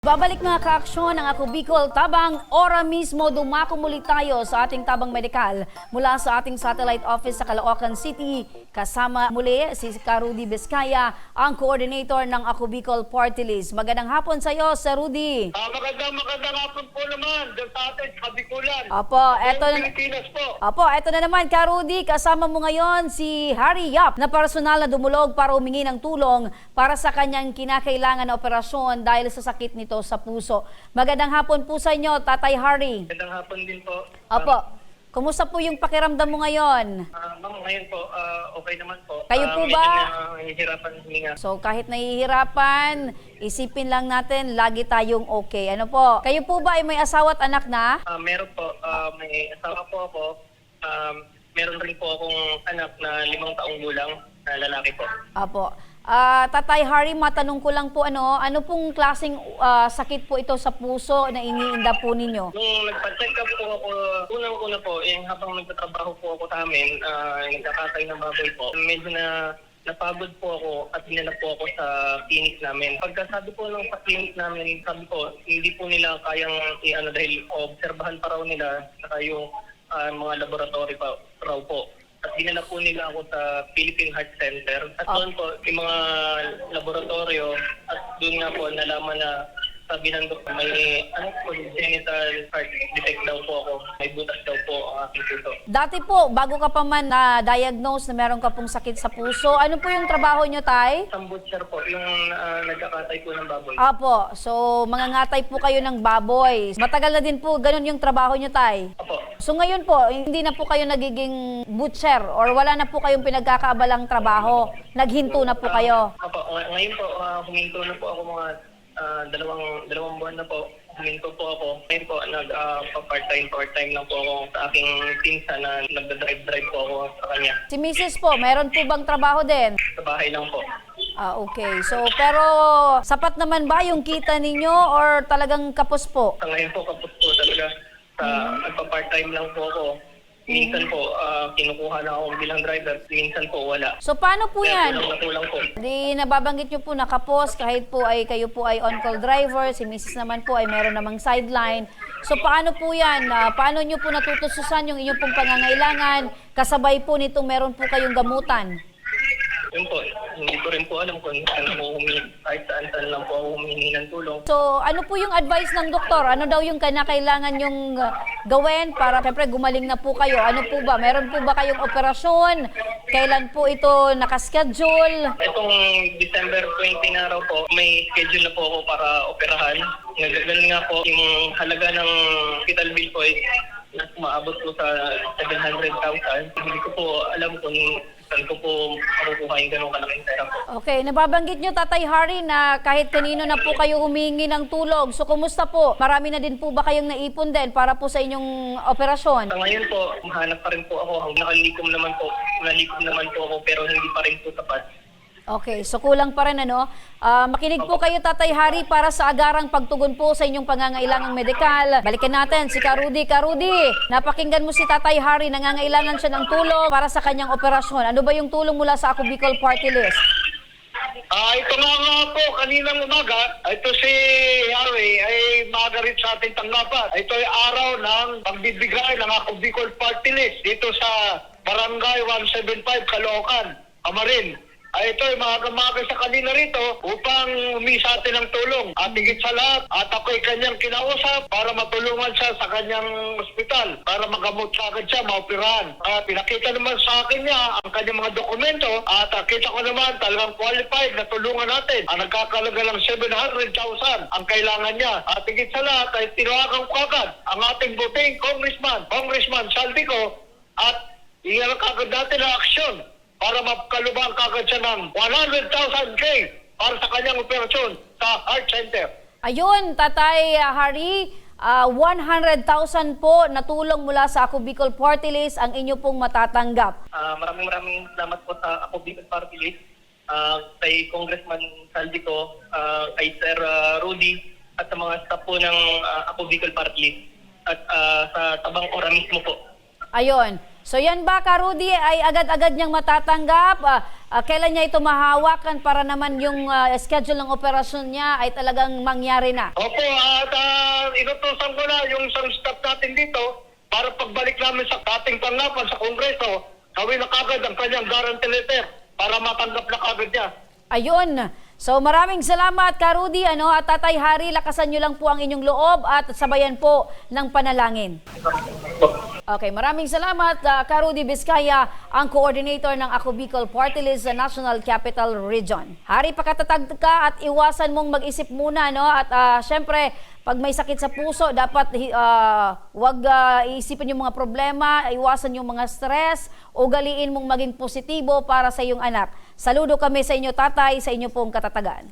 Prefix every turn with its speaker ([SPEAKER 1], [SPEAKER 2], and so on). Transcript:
[SPEAKER 1] Babalik mga kaaksyon ng Ako Bicol Tabang. Ora mismo dumako muli tayo sa ating Tabang Medikal mula sa ating satellite office sa Caloocan City. Kasama muli si Rudy Vizcaya, ang coordinator ng Ako Bicol Party List. Magandang hapon sa iyo, Sir Rudy.
[SPEAKER 2] Magandang hapon po naman dyan sa atin, sa Bicolan.
[SPEAKER 1] Eto na naman, Ka Rudy, kasama mo ngayon si Harry Yap na personal na dumulog para humingi ng tulong para sa kanyang kinakailangan na operasyon dahil sa sakit nito sa puso. Magandang hapon po sa inyo, Tatay Harry.
[SPEAKER 2] Magandang hapon din po.
[SPEAKER 1] Opo. Kumusta po yung pakiramdam mo ngayon?
[SPEAKER 2] Ma'am, ngayon po, okay naman po.
[SPEAKER 1] Kayo po ba?
[SPEAKER 2] Medyo nahihirapan huminga.
[SPEAKER 1] So kahit nahihirapan, isipin lang natin, lagi tayong okay. Ano po? Kayo po ba ay may asawa at anak na?
[SPEAKER 2] Meron po, may asawa po ako. Meron rin po akong anak na 5 taong gulang na lalaki po.
[SPEAKER 1] Apo. Tatay Harry, matanong ko lang po ano pong klaseng sakit po ito sa puso na iniinda po ninyo?
[SPEAKER 2] Nung nagpa-check up po ako, unang-una po, habang nagtatrabaho po ako sa amin, nagkakatay ng baboy po, medyo napagod po ako at dinala po ako sa clinic namin. Pagkasabi po ng sa clinic namin, sabi ko, hindi po nila kayang dahil obserbahan pa raw nila saka yung mga laboratory pa raw po. At dinala po nila ako sa Philippine Heart Center. At doon po, yung mga laboratorio, at doon nga po nalaman na sabi ng doktor, may congenital heart defect daw po ako. May butas daw po ang aking puso.
[SPEAKER 1] Dati po, bago ka pa man na-diagnose na meron ka pong sakit sa puso, ano po yung trabaho nyo, Tay?
[SPEAKER 2] Isang butcher po, yung nagkakatay po ng baboy.
[SPEAKER 1] Apo, so mangangatay po kayo ng baboy. Matagal na din po ganun yung trabaho nyo, Tay?
[SPEAKER 2] Opo.
[SPEAKER 1] So ngayon po, hindi na po kayo nagiging butcher or wala na po kayong pinagkakaabalang trabaho. Naghinto na po kayo.
[SPEAKER 2] Opo, ngayon po, huminto na po ako mga dalawang buwan na po. Huminto po ako. Ngayon po, part-time lang po ako sa aking pinsa na nagda-drive po ako sa kanya.
[SPEAKER 1] Si Mrs. po, meron po bang trabaho din?
[SPEAKER 2] Sa bahay lang po.
[SPEAKER 1] Okay. So, pero sapat naman ba yung kita ninyo or talagang kapos po?
[SPEAKER 2] Sa ngayon po, kapos po talaga. Nagpa-part-time lang po ako. Minsan po, kinukuha na ako bilang driver. Minsan po, wala.
[SPEAKER 1] So, paano po yan?
[SPEAKER 2] Kulang po.
[SPEAKER 1] Di nababanggit nyo po na kapos kahit po ay kayo po ay on-call driver, si Mrs. naman po ay meron namang sideline. So, paano po yan? Paano nyo po natutususan yung inyong pong pangangailangan? Kasabay po nitong meron po kayong gamutan.
[SPEAKER 2] Yun po, hindi ko rin po alam kung saan po kahit saan lang po ako humingi ng tulong.
[SPEAKER 1] So, ano po yung advice ng doktor? Ano daw yung kailangan yung gawin para siyempre gumaling na po kayo? Ano po ba? Meron po ba kayong operasyon? Kailan po ito nakaschedule?
[SPEAKER 2] Itong December 20 na raw po, may schedule na po ako para operahan. Ganun nga po, yung halaga ng hospital bill ko ay maabot po sa 700,000. Hindi ko po alam kung saan ko po makukuha yung ganung kalaking pera po.
[SPEAKER 1] Okay, nababanggit nyo, Tatay Harry, na kahit kanino na po kayo humingi ng tulong. So, kumusta po? Marami na din po ba kayong naipon din para po sa inyong operasyon?
[SPEAKER 2] Sa ngayon po, mahanap pa rin po ako. Nakalikom naman po ako pero hindi pa rin po sapat.
[SPEAKER 1] Okay, so kulang pa rin ano. Makinig po kayo, Tatay Harry, para sa agarang pagtugon po sa inyong pangangailangang medikal. Balikan natin si Rudy. Rudy, napakinggan mo si Tatay Harry, nangangailangan siya ng tulong para sa kanyang operasyon. Ano ba yung tulong mula sa Ako Bicol Party List?
[SPEAKER 2] Ito nga po, kaninang umaga, ito si Harry ay maaga rin sa ating tanggapan. Ito ay araw ng pagbibigay ng Ako Bicol Party List dito sa Barangay 175 Caloocan, Amarin. Ito ay maaga sa kanila rito upang humingi sa atin ng tulong. At higit sa lahat, at ako'y kanyang kinausap para matulungan siya sa kanyang ospital para magamot sa agad siya, maoperahan. At pinakita naman sa akin niya ang kanyang mga dokumento at kita ko naman talagang qualified na tulungan natin. Ang nagkakalaga lang 700,000 ang kailangan niya. At higit sa lahat ay tinawagan ko agad ang ating buting Congressman Saldico at iyan kagad natin ang aksyon para makalubang kagad siya ng 100,000K para sa kanyang operasyon sa Heart Center.
[SPEAKER 1] Ayun, Tatay Harry, 100,000 po na tulong mula sa Ako Bicol Party List ang inyo pong matatanggap.
[SPEAKER 2] Maraming salamat po sa Ako Bicol Party List, kay Congressman Saldico, kay Sir Rudy, at sa mga staff po ng Ako Bicol Party List, at sa Tabang Ora mismo po.
[SPEAKER 1] Ayun. So yan ba, Ka Rudy, ay agad-agad niyang matatanggap? Kailan niya ito mahawakan para naman yung schedule ng operasyon niya ay talagang mangyari na?
[SPEAKER 2] Opo, at inutusan ko na yung isang staff natin dito para pagbalik namin sa ating tanggapan sa Kongreso, gawin na kagad ang kanyang guarantee letter para matanggap na kagad niya.
[SPEAKER 1] Ayun. So maraming salamat, Ka Rudy, at Tatay Harry, lakasan niyo lang po ang inyong loob at sabayan po ng panalangin. Okay, maraming salamat, Ka Rudy Vizcaya, ang coordinator ng Ako Bicol Party List sa National Capital Region. Hari, pakatatag ka at iwasan mong mag-isip muna, at syempre, pag may sakit sa puso, dapat wag iisipin yung mga problema, iwasan yung mga stress, ugaliin mong maging positibo para sa iyong anak. Saludo kami sa inyo, Tatay, sa inyo pong katatagan.